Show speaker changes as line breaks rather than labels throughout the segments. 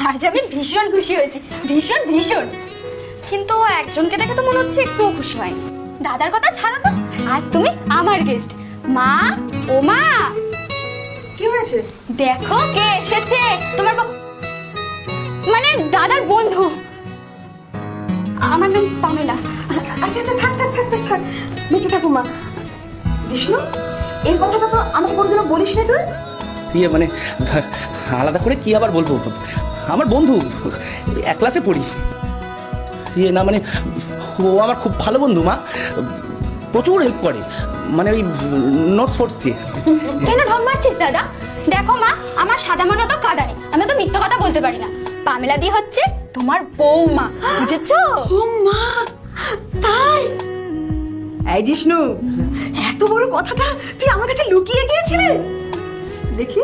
আজ আমি ভীষণ খুশি হয়েছি, ভীষণ ভীষণ। কিন্তু একজনকে দেখে তো মনে হচ্ছে একটুও খুশি হয়নি। দাদার কথা ছাড়ো তো, আজ তুমি আমার গেস্ট। মা, ও মা,
কি হয়েছে?
দেখো কে এসেছে। তোমার মানে দাদার বন্ধু। আমার নাম পামেলা।
আচ্ছা আচ্ছা, থাক থাক থাক থাক থাক, বেঁচে থাকো মা। জিষ্ণু, এই কথাটা তো আমাকে কোনোদিনও বলিস না তুই।
ইয়ে মানে আলাদা করে কি আবার বলবো, আমার বন্ধু, এক ক্লাসে পড়ি। ইয়ে না মানে ও আমার খুব ভালো বন্ধু মা, প্রচুর হেল্প করে, মানে ওই নোটস ফোটস দিয়ে।
কেন ঢং মারছিস দাদা? দেখো মা, আমার সাদা মনে তো কাদা নেই, আমি তো মিথ্যা কথা বলতে পারি না। পামেলা দি হচ্ছে তোমার বৌমা, বুঝেছো?
ও মা, তাই? এই জিষ্ণু, এত বড় কথাটা তুই আমার কাছে লুকিয়ে গিয়েছিলে। দেখি,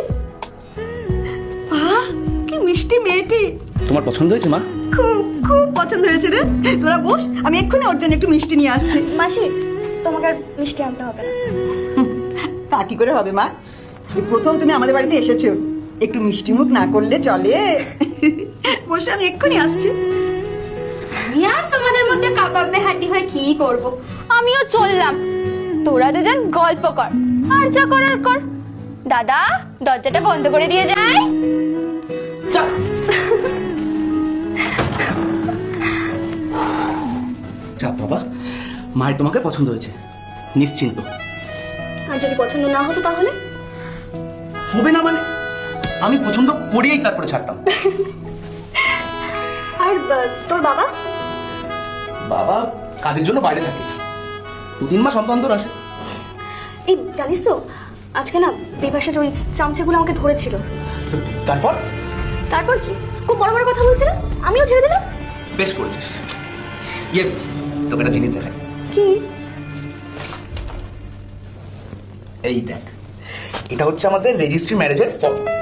কি মিষ্টি মেয়েটি।
তোমার পছন্দ হয়েছে মা?
খুব খুব পছন্দ হয়েছে রে। তোরা বস, আমি এক্ষুনি ওর জন্য একটু মিষ্টি নিয়ে আসছি।
মাসি, তোমাকে আর মিষ্টি আনতে হবে না।
তা কি করে হবে মা? এই প্রথম তুমি আমাদের বাড়িতে এসেছো, একটু মিষ্টি মুখ না করলে চলে? বসে, আমি এক্ষুনি আসছি।
আমি আর তোমাদের মধ্যে কাবাবে হাড্ডি হয়ে কি করব? আমিও চললাম। তোরা দুজন গল্প কর, আর যা করার কর। দাদা, দরজাটা বন্ধ করে দিয়ে যাই।
চাপ বাবা, মায়ের তোমাকে পছন্দ হয়েছে, নিশ্চিন্ত।
আর যদি পছন্দ না হতো তাহলে?
হবে না মানে? আমি পছন্দ করিয়েই তারপরে ছাড়তাম।
আর তোর বাবা?
বাবা কাজের জন্য বাইরে থাকে, 2-3 মাস অন্তর আসে।
এই জানিস তো, আজকে না বিপাশার ওই চামচেগুলো আমাকে ধরেছিল।
তারপর?
তারপর কি, খুব বড় বড় কথা বলছিল, আমিও ছেড়ে দিলাম।
বেশ করেছিস। ইয়ে, তোকে একটা জিনিস দেখাই।
কি?
এই দেখ, এটা হচ্ছে আমাদের রেজিস্ট্রি ম্যারেজের ফর্ম।